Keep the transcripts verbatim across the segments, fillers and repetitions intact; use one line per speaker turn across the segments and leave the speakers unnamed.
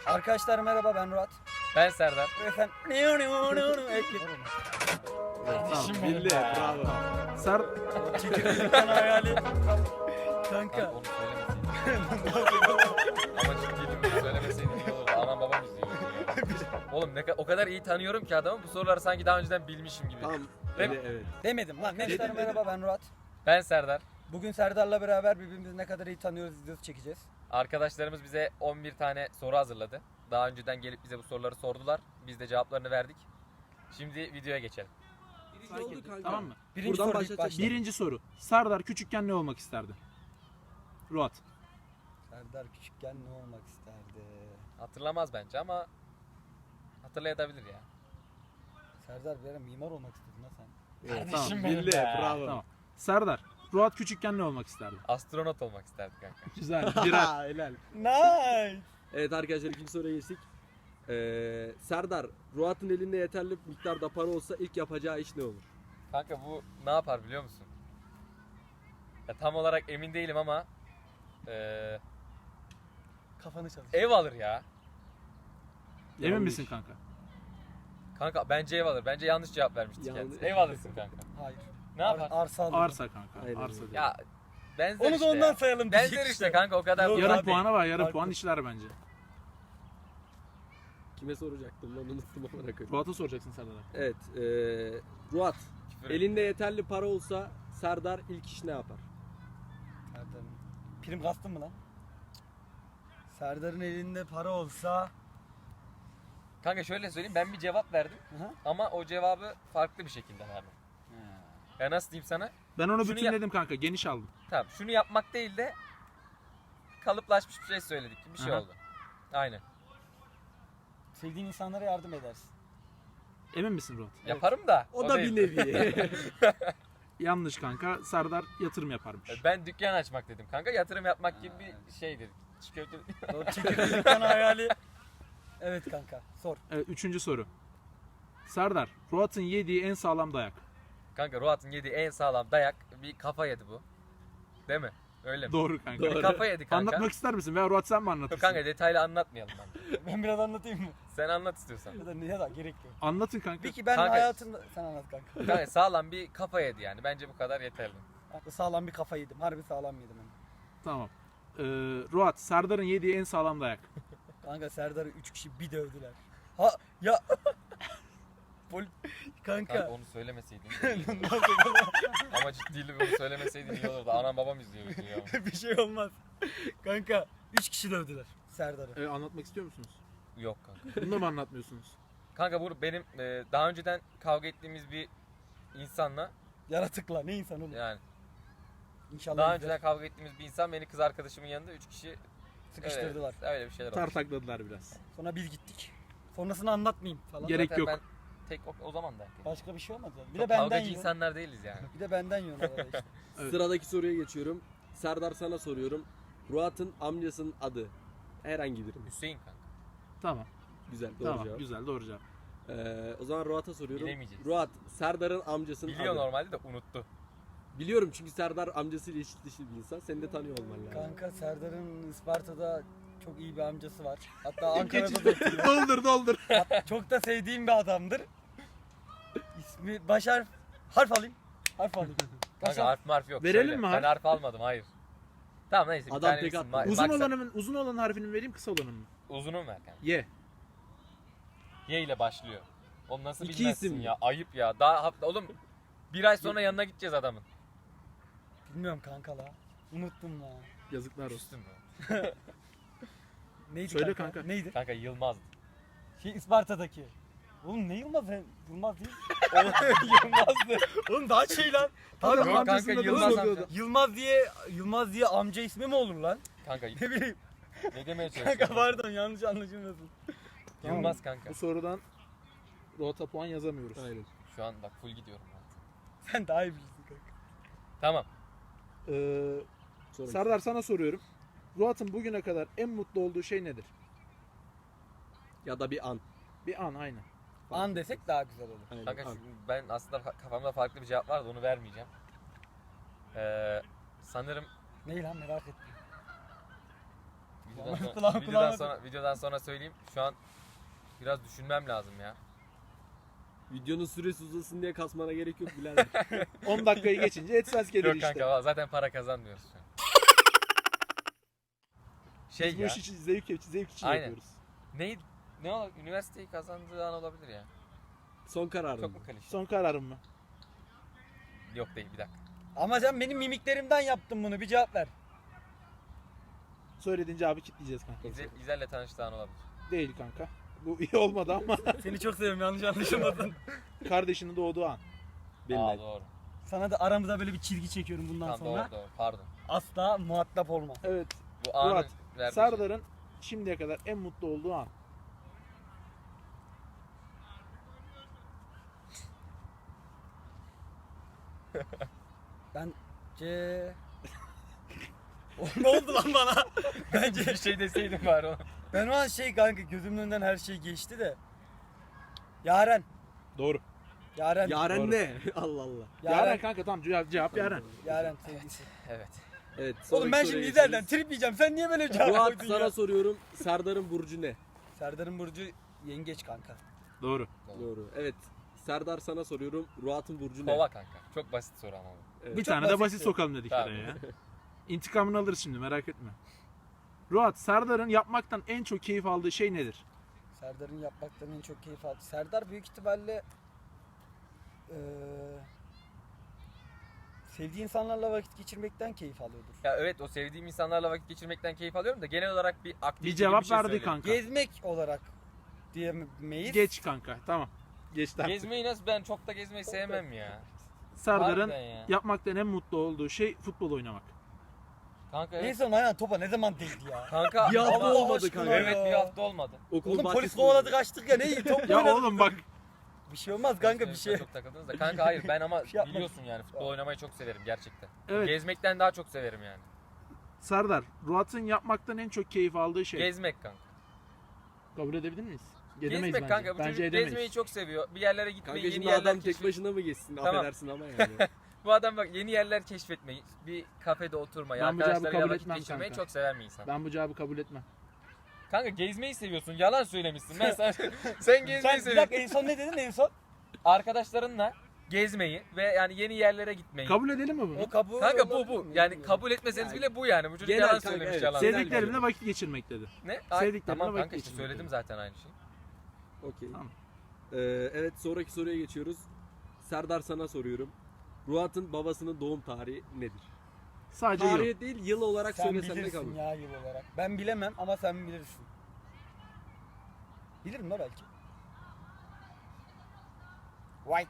Arkadaşlar merhaba, ben Murat.
Ben Serdar.
Ve efendim...
Tamam, bildi. Bravo. Ser
Çekirdeğin hayali.
Kanka
Kanka.
onu söylemeseydin. Ama ciddiydim bunu söylemeseydin iyi olurdu. Anam babam izliyor. Oğlum ne ka- o kadar iyi tanıyorum ki adamı bu soruları sanki daha önceden bilmişim gibi.
Tamam.
Değil mi?
Evet, evet.
Demedim lan. Arkadaşlar merhaba, ben Murat.
Ben Serdar.
Bugün Serdar'la beraber birbirimizi ne kadar iyi tanıyoruz videosu çekeceğiz.
Arkadaşlarımız bize on bir tane soru hazırladı. Daha önceden gelip bize bu soruları sordular. Biz de cevaplarını verdik. Şimdi videoya geçelim.
Oldu kanka.
Tamam mı?
Birinci
Buradan
soru ilk
başlatacağız.
başla.
Birinci soru. Serdar küçükken ne olmak isterdi? Ruat.
Serdar küçükken ne olmak isterdi?
Hatırlamaz bence ama hatırlayabilir ya.
Serdar bir ara mimar olmak istedin lan sen.
Evet,
Tamam,
tamam.
benim
Bildi.
be.
Bravo.
Tamam. Serdar. Ruat küçükken ne olmak isterdi?
Astronot olmak isterdik kanka.
Güzel. Birer.
Helal.
Nice.
Evet arkadaşlar ikinci soruya geçtik. Ee, Serdar, Ruat'ın elinde yeterli miktarda para olsa ilk yapacağı iş ne olur?
Kanka bu ne yapar biliyor musun? Ya tam olarak emin değilim ama eee
Kafanı çalış.
ev alır ya.
Emin
Yanlış.
misin kanka?
Kanka bence ev alır. Bence yanlış cevap vermiştik
Yanlış.
kendisi. Ev alırsın kanka.
Hayır.
Ne yapar?
Ar- arsa alırdım.
Arsa kanka.
Aynen
Arsa
öyle.
diyor.
Ya benzer
Onu
işte
da ondan
ya.
sayalım.
Benzer
diyecek
işte kanka o kadar.
Yok
Yarım
abi.
puanı var. Yarım
Farklı.
puan işler bence.
Kime soracaktım lan unuttum ama koyayım.
Ruat'a soracaksın Serdar'a.
Evet, ee, Ruat,
Küfür
elinde yeterli para olsa Serdar ilk iş ne yapar?
Serdar'ın. Prim kastın mı lan? Serdar'ın elinde para olsa...
Kanka şöyle söyleyeyim ben bir cevap verdim
Aha.
ama o cevabı farklı bir şekilde verdim. Ya nasıl diyeyim sana?
Ben onu
Şunu
bütünledim kanka. Geniş aldım.
Tamam şunu yapmak değil de kalıplaşmış bir şey söyledik. Bir şey
Aha.
oldu. Aynen.
Sevdiğin insanlara yardım edersin.
Emin misin Ruat?
Yaparım da.
O, da
değil.
bir nevi.
Yanlış kanka. Serdar yatırım yaparmış.
Ben dükkan açmak dedim kanka. Yatırım yapmak gibi bir şeydir. Çikolata...
Doğru, çekirdeğin hayali. Evet kanka, sor.
Evet, üçüncü soru. Serdar. Ruat'ın yediği en sağlam dayak.
Kanka Ruat'ın yediği en sağlam dayak bir kafa yedi bu. Değil mi? Öyle mi?
Doğru kanka.
Doğru.
Bir kafa yedi kanka.
Anlatmak ister misin? Veya Ruat sen mi
Yok
anlatırsın?
kanka detaylı anlatmayalım ben.
Ben biraz anlatayım mı?
Sen anlat istiyorsan.
Ya da niye da gerek yok.
Anlatın kanka.
Peki ben
Kanka-
hayatımda... Sen anlat kanka.
Kanka sağlam bir kafa yedi yani. Bence bu kadar yeterli.
Sağlam bir kafa yedim. Harbi sağlam yedim hem.
Tamam. Ee, Ruat. Serdar'ın yediği en sağlam dayak.
Kanka Serdar'ı üç kişi bir dövdüler. Ha ya... Pol...
Kanka
Kanka.
onu söylemeseydin. Ama ciddiydi bunu söylemeseydin iyi olurdu. Anam babam izliyor bizi ya.
Bir şey olmaz. Kanka üç kişi dövdüler Serdar'ı.
Ee, anlatmak istiyor musunuz?
Yok kanka.
Bunu da mı anlatmıyorsunuz?
Kanka bu benim e, daha önceden kavga ettiğimiz bir insanla
Yaratıkla ne insan oğlum.
yani
İnşallah
daha
izler.
önceden kavga ettiğimiz bir insan beni kız arkadaşımın yanında üç kişi
Sıkıştırdılar.
Evet, öyle bir şeyler oldu.
Tartakladılar biraz.
Sonra biz gittik. Sonrasını anlatmayayım falan.
Gerek
Zaten
yok.
Ben tek o, o zaman da.
Başka bir şey olmaz yani. Bir
Çok
de benden
kavgacı
yiyor.
insanlar değiliz yani.
Bir de benden yiyor arada işte.
Evet.
Sıradaki soruya geçiyorum. Serdar sana soruyorum. Ruat'ın amcasının adı herhangi biri mi?
Hüseyin kanka.
Tamam.
Güzel, doğru
Tamam.
cevap.
Güzel. Doğru cevap.
Ee, o zaman Ruat'a soruyorum.
Bilemeyeceğiz.
Ruat, Serdar'ın amcasının
Biliyor
adı.
normalde de unuttu.
Biliyorum çünkü Serdar amcasıyla eşit dışı bir insan. Seni de tanıyor olman lazım.
Kanka Serdar'ın Isparta'da çok iyi bir amcası var. Hatta Ankara'da da oturuyor.
doldur doldur.
Hat- Çok da sevdiğim bir adamdır. İsmi baş harf. Harf alayım. Harf alayım. Baş
Kanka
harf.
harf marf yok.
Verelim
Söyle.
mi
Ben
harf?
harf almadım hayır. Tamam neyse bir
Adam
tane
tek
isim.
attı.
Ma-
Uzun
maksat-
olanın uzun olan harfini mi vereyim, kısa olanın mı?
Uzunu mu ver kanka?
Ye.
Y ile başlıyor. Oğlum nasıl
İki
bilmezsin
isim mi?
ya? Ayıp ya. Daha hafta oğlum bir ay sonra yanına gideceğiz adamın.
Bilmiyorum kanka la. Unuttum la.
Yazıklar olsun.
Üstün mü?
Neydi
Söyle
kanka?
kanka.
Neydi?
Kanka Yılmaz.
Şey Isparta'daki. Oğlum ne Yılmaz? He, Yılmaz değil.
Yılmaz'dı.
Oğlum daha şey lan. Tabii
Yok kanka,
amcasının adı
Yılmaz
Yılmaz,
amca.
Yılmaz diye Yılmaz diye amca ismi mi olur lan?
Kanka
Ne bileyim.
ne demeye
Kanka
çalışıyorsun?
pardon yanlış anlaşılmasın.
Yılmaz kanka.
Bu sorudan Ruat'a puan yazamıyoruz.
Aynen.
Şu an bak full gidiyorum ben.
Sen daha iyi bilirsin kanka.
Tamam.
Ee,
Sonra
Serdar sana soruyorum. Ruat'ın bugüne kadar en mutlu olduğu şey nedir?
ya da bir an.
Bir an, aynen.
An desek daha güzel olur.
Aynen,
Kanka
an.
şu- ben aslında fa- kafamda farklı bir cevap vardı onu vermeyeceğim. Ee, sanırım
Neyi lan merak ettim.
Videodan sonra,
Kulağım-
videodan
kulağıma-
sonra videodan sonra söyleyeyim. Şu an biraz düşünmem lazım ya.
Videonun süresi uzasın diye kasmana gerek yok birader.
on dakikayı geçince etmez gelir
Yok
işte.
kanka valla zaten para kazanmıyoruz şu an. Şey
Biz bu
ya.
iş için zevk, zevk için
Aynen.
yapıyoruz.
Ne ne ol üniversiteyi kazandığı an olabilir ya.
Son kararım.
Çok mu klişe?
Son kararım mı?
Yok değil bir dakika.
Ama sen benim mimiklerimden yaptın bunu. Bir cevap ver.
Söylediğin cevabı kitleyeceğiz kanka.
İzel, İzel'le tanıştığı an olabilir.
Değil kanka. Bu iyi olmadı ama
Seni çok seviyorum, yanlış anlaşılmasın.
kardeşinin doğduğu an.
Benim
Aa
ben.
doğru.
Sana da aramıza böyle bir çizgi çekiyorum bundan
Tamam
sonra.
doğru doğru pardon.
Asla muhatap olma.
Evet.
Bu anı
Murat,
vermiş.
Serdar'ın şimdiye kadar en mutlu olduğu an.
Bence... O ne oldu lan bana? Bence
bir şey deseydim bari oğlum.
ben o an şey kanka, gözümün önünden her şey geçti de. Yaren.
Doğru.
Yaren.
Yaren
Doğru.
ne? Allah Allah.
Yaren,
Yaren.
kanka tamam cevap, cevap Yaren.
Yaren sevgisi.
Evet.
Evet.
Oğlum ben
sonraki
şimdi
soruya
İzel'den
geçiyoruz.
trip yiyeceğim. Sen niye böyle cevap
Fuat
koydun
sana
ya?
soruyorum. Serdar'ın burcu ne?
Serdar'ın burcu yengeç kanka.
Doğru.
Doğru. Evet. Serdar sana soruyorum. Ruat'ın burcu ne?
Kova kanka. Çok basit soru ama bu.
Evet.
Bir
çok
tane de
basit
basit
soru.
sokalım dedik
Tamam.
oraya ya. İntikamını alırız şimdi, merak etme. Ruat, Serdar'ın yapmaktan en çok keyif aldığı şey nedir?
Serdar'ın yapmaktan en çok keyif aldı. Serdar büyük ihtimalle eee sevdiği insanlarla vakit geçirmekten keyif alıyordur.
Ya evet o sevdiğim insanlarla vakit geçirmekten keyif alıyorum da genel olarak bir aktivite
Bir cevap
gibi bir şey
verdi
söyleyeyim.
kanka.
Gezmek olarak diyemeyiz.
Geç kanka, tamam. Geçti artık.
Gezmeyi nasıl ben çok da gezmeyi sevmem ya.
Serdar'ın
Harbiden ya.
yapmaktan en mutlu olduğu şey futbol oynamak.
Kanka
En
evet.
son ayağın topa ne zaman değdi ya?
Kanka
Bir hafta
Allah
olmadı
aşkına
kanka.
ya.
Evet bir hafta olmadı.
Okulun
Oğlum polis
bahçesinde.
kovaladı kaçtık ya, ne iyi top
Ya
oynadık.
oğlum bak,
Bir şey olmaz kanka, bir şey.
Çok takıldınız da. Kanka hayır ben ama
Bir şey yapmadım.
biliyorsun yani futbol oynamayı çok severim gerçekten.
evet
Gezmekten daha çok severim yani.
Serdar, Ruat'ın yapmaktan en çok keyif aldığı şey.
Gezmek kanka.
Kabul edebilir miyiz? Edemeyiz
Gezmek
bence.
kanka bu
Bence
çocuk
edemeyiz.
gezmeyi çok seviyor. Bir yerlere gitmeyi,
Kanka
yeni
şimdi
yerler
adam tek
keşfetmeyi.
başına mı geçsin?
Tamam.
Affedersin ama yani.
Bu adam bak yeni yerler keşfetmeyi, bir kafede oturmayı,
Ben bu cevabı
arkadaşlarıyla
kabul
vakit
etmem
geçirmeyi
kanka.
çok seven bir insan.
Ben bu cevabı kabul etmem.
Kanka gezmeyi seviyorsun. Yalan söylemişsin. Ben sana sen gezmeyi
Sen bir
seviyorsun.
dakika, en son ne dedin en son?
Arkadaşlarınla gezmeyi ve yani yeni yerlere gitmeyi.
Kabul edelim mi bunu?
O kabul
Kanka bu
olabilir
bu.
mi?
Yani kabul etmeseniz bile bu yani. Bu çocuk
Genel
yalan
kanka,
söylemiş
evet.
yalan.
Sevdik-
Sevdiklerimle vakit geçirmek dedi.
Ne? Ay,
sevdiklerimle
tamam
vakit
kanka işte
geçirmek
söyledim
dedi.
zaten aynı şeyi.
Okey.
Tamam.
Ee, evet sonraki soruya geçiyoruz. Serdar sana soruyorum. Ruat'ın babasının doğum tarihi nedir?
Sadece yıl.
Tarihi değil yıl olarak
Sen
söylesen de
bilirsin
kabul.
ya yıl olarak. Ben bilemem ama sen bilirsin. Bilirim la belki. White.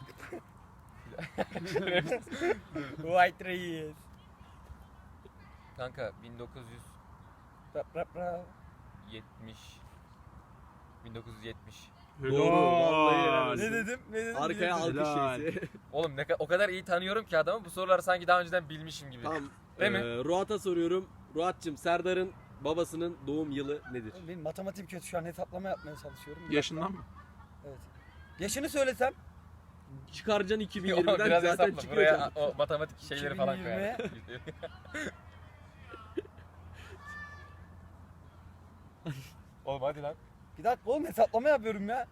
White Reis.
Kanka bin dokuz yüz
Rap rap rap.
yetmiş bin dokuz yüz yetmiş.
Doğru, vallahi helal
Helal.
olsun.
Ne dedim? Ne dedim?
Arkaya
Bilemedim.
alkış
Helal.
şeysi.
Oğlum ne ka- o kadar iyi tanıyorum ki adamı bu soruları sanki daha önceden bilmişim gibi.
Tamam.
Değil mi?
Ee, Ruat'a soruyorum. Ruat'cığım Serdar'ın babasının doğum yılı nedir?
Benim matematik kötü, şu an hesaplama yapmaya çalışıyorum. Bir
Yaşından
dakika.
mı?
Evet. Yaşını söylesem.
Çıkaracaksın
Ama
iki bin yirmiden
biraz
zaten
hesapla.
çıkıyor.
Buraya
canım.
o matematik şeyleri falan koyar. Oğlum hadi lan.
Bir dakika oğlum, hesaplama yapıyorum ya.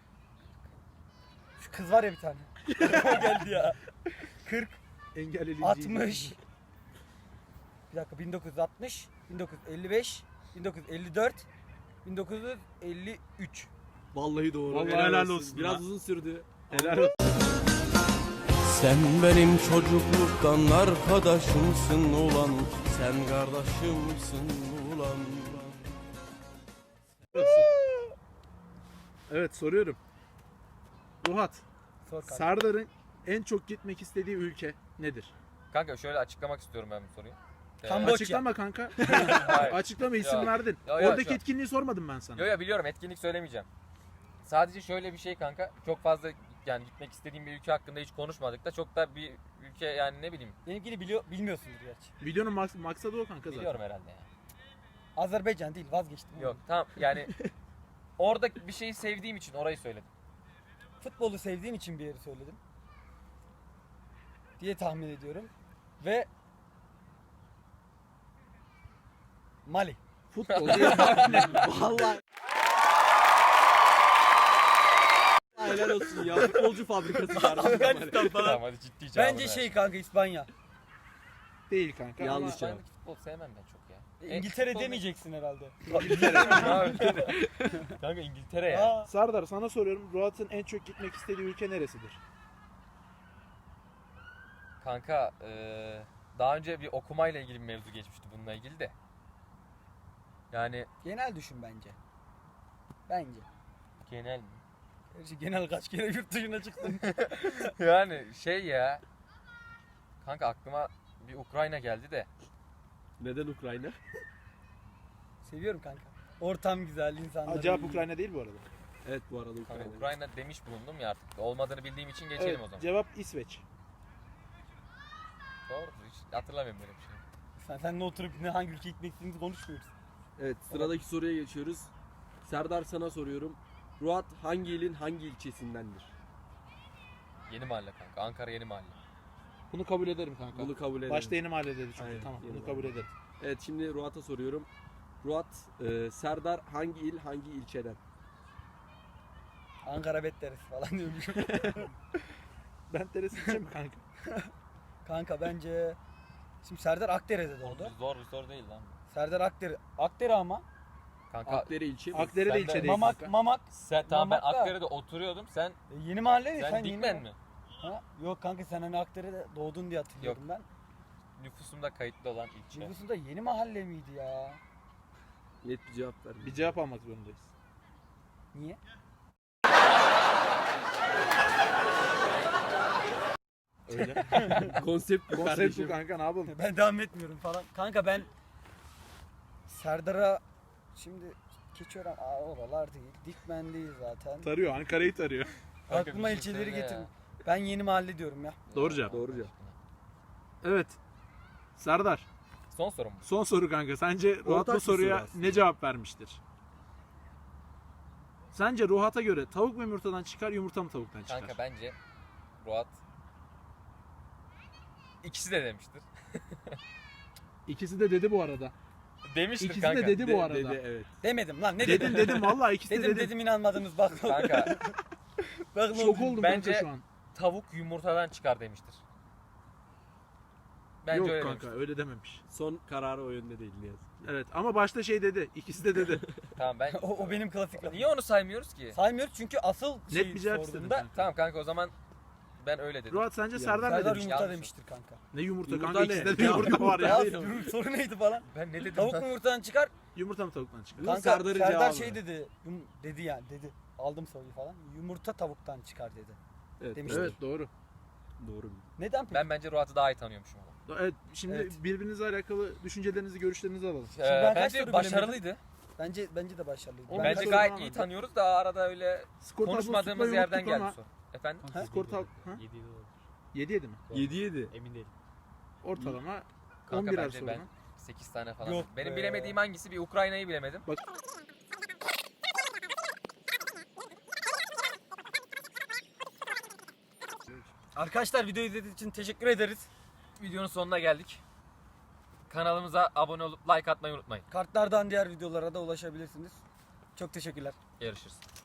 Şu kız var ya bir tane. O geldi ya. kırk,
Engelleyici.
altmış. Bir dakika, bin dokuz yüz altmış, bin dokuz yüz elli beş, bin dokuz yüz elli dört, bin dokuz yüz elli üç.
Vallahi doğru.
Vallahi helal olsun
Biraz
ya.
uzun sürdü.
Helal olsun.
Sen benim çocukluktan arkadaşımsın ulan. Sen kardeşimsin ulan.
Evet, soruyorum. Ruhat,
Sor kanka.
Serdar'ın en çok gitmek istediği ülke nedir?
Kanka şöyle açıklamak istiyorum ben bu soruyu. Ee,
Kamboçya.
Açıklama kanka.
hayır.
Açıklama, isim
Ya.
verdin.
Ya, ya,
Oradaki
şu-
etkinliği sormadım ben sana.
Yo ya biliyorum etkinlik söylemeyeceğim. Sadece şöyle bir şey kanka. Çok fazla yani gitmek istediğim bir ülke hakkında hiç konuşmadık da çok da bir ülke yani ne bileyim
Benimkini biliyor, bilmiyorsundur gerçi.
Videonun maks- maksadı o kanka zaten.
biliyorum herhalde ya.
Azerbaycan değil, vazgeçtim.
Yok tamam yani orada bir şeyi sevdiğim için orayı söyledim.
Futbolu sevdiğim için bir yeri söyledim. Diye tahmin ediyorum. Ve Mali.
Futbol değil. Vallahi. Helal olsun ya. Futbolcu fabrikası kardeşim.
Afganistan falan.
Tamam hadi ciddi cevabını
Bence
ver.
şey kanka İspanya.
Değil kanka.
Yanlış
ama
cevap.
Ben futbol sevmem ben çok ya.
E, İngiltere demeyeceksin herhalde.
Kanka İngiltere ya.
Aa,
Serdar sana soruyorum. Ruat'ın en çok gitmek istediği ülke neresidir?
Kanka eee, daha önce bir okumayla ilgili bir mevzu geçmişti bununla ilgili de. Yani
genel düşün bence. Bence.
genel mi?
Gerçi genel kaç kere yurt dışına çıktın.
Yani şey ya. Kanka aklıma bir Ukrayna geldi de.
Neden Ukrayna?
Seviyorum kanka. Ortam güzel, insanlar
Cevap
iyi.
Ukrayna değil bu arada.
Evet bu arada
Kanka
Ukrayna.
Ukrayna demiş bulundum ya artık. Olmadığını bildiğim için geçelim
Evet,
o zaman.
cevap İsveç.
Doğrudur hiç hatırlamıyorum böyle bir şey.
Sen, sen ne oturup ne hangi ülkeye gitmek istediğimizi konuşmuyoruz.
Evet sıradaki soruya geçiyoruz. Serdar sana soruyorum. Ruat hangi ilin hangi ilçesindendir?
Yeni mahalle kanka. Ankara yeni mahalle.
Bunu kabul ederim kanka.
Bunu kabul edelim.
Başta yeni mahalle dedi çünkü.
Aynen,
Tamam
yeni
bunu
mahalle.
kabul ederim.
Evet şimdi Ruat'a soruyorum. Ruat, e, Serdar hangi il hangi ilçeden?
Ankara betleriz falan diyormuşum.
Ben teresi içeceğim mi kanka?
Kanka bence... Şimdi Serdar Akdere'de
Oğlum,
doğdu.
zor bir soru değil lan. bu.
Serdar Akdere. Akdere ama.
Kanka
Akdere ilçe mi?
Akdere de
Sen de-
ilçe değil
Mamak,
kanka.
Mamak.
sen tamam ben
Mamak'ta-
Akdere'de oturuyordum. Sen
E, yeni mahalle mi?
sen,
Sen
Dikmen
yeni
mi?
Ha? Yok kanka sen hani Akdere'de doğdun diye hatırlıyorum ben.
Nüfusumda kayıtlı olan ilçe.
Nüfusunda yeni mahalle miydi ya?
Net bir cevap ver.
Bir cevap almak zorundayız.
Niye?
Öyle. Konsept bu
Konsept bu
kardeşim.
kanka ne yapalım?
Ben devam etmiyorum falan. Kanka ben Serdar'a şimdi Keçiören aa, oralar değil. Dikmen değil zaten.
Tarıyor Ankara'yı tarıyor.
Kanka
Aklıma
bir şey
ilçeleri
söyle ya.
getir. Ben yeni mahalle diyorum ya.
Doğru cevap.
Doğru cevap.
Evet. Serdar
Son sorum mu?
son soru kanka. Sence Ruhat
Ortak
bu
bir soru
soruya
aslında.
ne cevap vermiştir? Sence Ruhat'a göre tavuk mu yumurtadan çıkar yumurta mı tavuktan çıkar?
Kanka bence Ruat ikisi de demiştir.
İkisi de dedi bu arada.
Demiştir
İkisi
kanka.
de dedi
De-
bu arada.
Dedi evet.
Demedim lan ne
Dedim
dedim?
dedim vallahi ikisi de
Dedim
dedim.
dedim inanmadınız bak.
Kanka
Bak ne
Şok
oldu?
oldum
Bence-
kanka şu an.
tavuk yumurtadan çıkar demiştir. Bence
Yok
öyle
kanka
demiştir.
öyle dememiş.
Son kararı o yönde değil ne yazık.
Evet ama başta şey dedi. İkisi de dedi.
Tamam ben
o, o benim klasik lafım.
Niye onu saymıyoruz ki?
Saymıyoruz çünkü asıl
Net
şeyi
bir cevap istedim
sorduğunda
kanka.
Tamam kanka o zaman ben öyle dedim.
Ruhat sence
Ya,
Serdar ne
Serdar
demiş?
yumurta
Yanlış.
demiştir kanka.
Ne yumurta,
Yumurta
kanka
ne?
ikisinde de
Ya,
yumurta var
Ya
ya.
yorum- soru neydi falan.
Ben ne dedim
Tavuk
lan?
mu yumurtadan çıkar?
Yumurta mı tavuktan çıkar?
Bu
Kanka
Serdar'ın
Serdar
cevabı.
şey dedi. Yum, dedi yani dedi. Aldım soruyu falan. Yumurta tavuktan çıkar dedi.
Evet,
demiştir.
Evet doğru.
doğru.
Neden peki?
Ben bence Ruat'ı daha iyi tanıyormuşum ama.
Evet şimdi
Evet.
birbirinizle alakalı düşüncelerinizi, görüşlerinizi alalım.
Ee,
ben kaç
bence
soru
başarılıydı.
Bence bence de başarılıydı.
Oğlum,
Ben
Bence
soru
gayet
falan
iyi
var.
tanıyoruz da arada öyle
Skor tablosu
konuşmadığımız
tutmayı
yerden
unuttuk
geldi
ama-
soru. Efendim?
Skor tab... Ha? yedi yedi mi?
yedi yedi.
Emin değilim.
Ortalama on
Kanka
birer
bence
soru
ben
mu?
sekiz tane falan.
Yok
Benim
be.
bilemediğim hangisi? Bir Ukrayna'yı bilemedim.
Arkadaşlar videoyu izlediğiniz için teşekkür ederiz.
Videonun sonuna geldik. Kanalımıza abone olup like atmayı unutmayın.
Kartlardan diğer videolara da ulaşabilirsiniz. Çok teşekkürler.
Görüşürüz.